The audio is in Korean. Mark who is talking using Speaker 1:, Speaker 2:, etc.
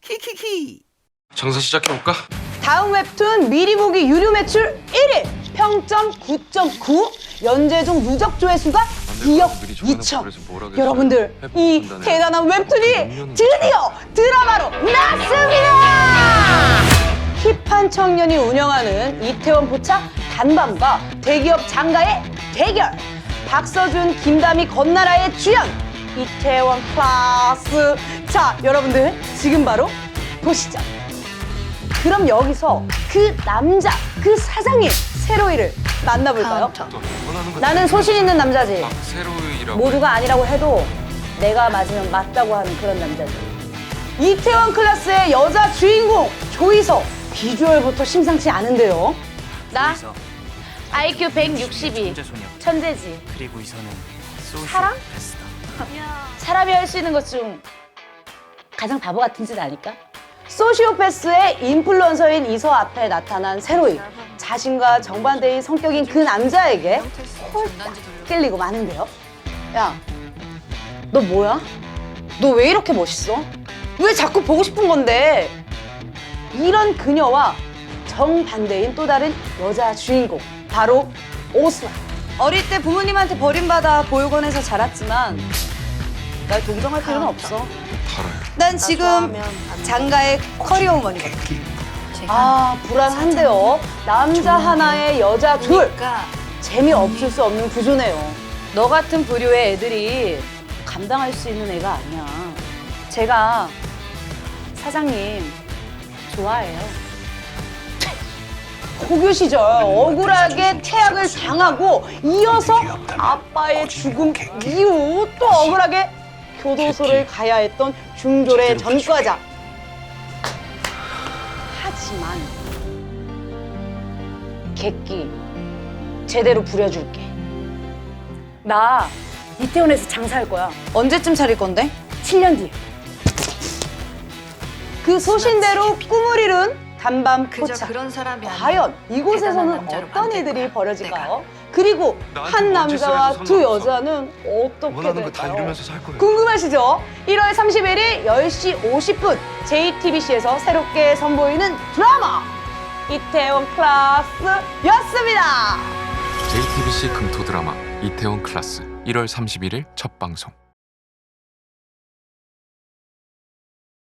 Speaker 1: 키키키.
Speaker 2: 장사 시작해볼까?
Speaker 3: 다음 웹툰 미리 보기 유료 매출 1위, 평점 9.9, 연재중 누적 조회수가 2억 2천. 여러분들, 이 대단한 웹툰이 드디어 드라마로 나왔습니다! 힙한 청년이 운영하는 이태원 포차 단밤과 대기업 장가의 대결. 박서준, 김다미, 건나라의 주연 이태원 클라스. 자, 여러분들 지금 바로 보시죠. 그럼 여기서 그 남자, 그 사장님 세로이를 만나볼까요? 나는 소신 있는 남자지.
Speaker 2: 세로이라고.
Speaker 3: 모두가 아니라고 해도 내가 맞으면 맞다고 하는 그런 남자지. 이태원 클라스의 여자 주인공 조이서. 비주얼부터 심상치 않은데요. 나 IQ 162. 천재지.
Speaker 1: 그리고 이서는
Speaker 3: 사랑?
Speaker 1: 소시오패스다.
Speaker 3: 사람이 할 수 있는 것 중 가장 바보 같은 짓 아닐까? 소시오패스의 인플루언서인 이서 앞에 나타난 세로이. 자신과 정반대인 성격인 그 남자에게 홀딱 끌리고 마는데요. 야, 너 뭐야? 너 왜 이렇게 멋있어? 왜 자꾸 보고 싶은 건데? 이런 그녀와 정반대인 또 다른 여자 주인공, 바로 오스나. 어릴 때 부모님한테 버림받아 보육원에서 자랐지만 날 동정할 필요는 없어.
Speaker 2: 달아요.
Speaker 3: 난 지금 장가의 커리어 우먼이거든. 아, 불안한데요. 남자 하나에 여자 둘. 재미없을 수 없는 구조네요. 너 같은 부류의 애들이 감당할 수 있는 애가 아니야. 제가 사장님 좋아해요. 고교 시절 억울하게 태학을 당하고 이어서 아빠의 죽음 이후 또 억울하게 교도소를 가야 했던 중졸의 전과자. 하지만 객기 제대로 부려줄게. 나 이태원에서 장사할 거야. 언제쯤 차릴 건데? 7년 뒤에. 그 소신대로 꿈을 이룬 단밤 포차. 과연 이곳에서는 어떤 일들이 벌어질까요? 그리고 한 남자와 두 여자는 어떻게
Speaker 2: 원하는 거 다
Speaker 3: 될까요?
Speaker 2: 이루면서 살 거예요.
Speaker 3: 궁금하시죠? 1월 31일 10시 50분 JTBC에서 새롭게 선보이는 드라마 이태원 클라스였습니다.
Speaker 2: JTBC 금토 드라마 이태원 클라스 1월 31일 첫 방송.